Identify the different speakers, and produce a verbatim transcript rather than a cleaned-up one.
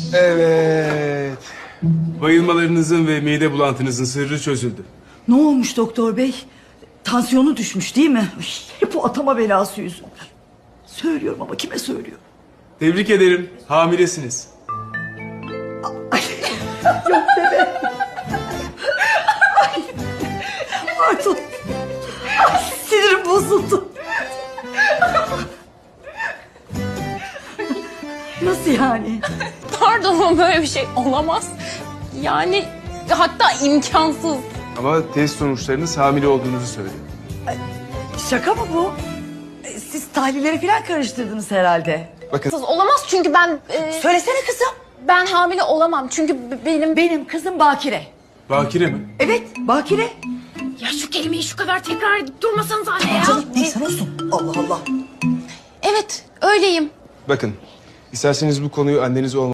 Speaker 1: Evet. Bayılmalarınızın ve mide bulantınızın sırrı çözüldü.
Speaker 2: Ne olmuş doktor bey? Tansiyonu düşmüş değil mi? Ay, hep o atama belası yüzünden. Söylüyorum ama kime söylüyorum?
Speaker 1: Tebrik ederim. Hamilesiniz.
Speaker 2: Yok bebe. Ay, pardon. Ay, sinirim bozuldu. Nasıl yani?
Speaker 3: Pardon ama böyle bir şey olamaz. Yani hatta imkansız.
Speaker 1: Ama test sonuçlarınız hamile olduğunuzu söylüyor.
Speaker 2: Şaka mı bu? E, Siz tahlilleri falan karıştırdınız herhalde.
Speaker 1: Bakın
Speaker 3: Olamaz çünkü ben... e,
Speaker 2: Söylesene kızım.
Speaker 3: ben hamile olamam çünkü b- benim...
Speaker 2: Benim kızım Bakire.
Speaker 1: bakire mi?
Speaker 2: Evet, Bakire.
Speaker 3: Ya şu kelimeyi şu kadar tekrar edip durmasanız anne ya.
Speaker 2: Canım neyse olsun. Allah Allah.
Speaker 3: Evet öyleyim.
Speaker 1: Bakın, isterseniz bu konuyu anneniz olmadan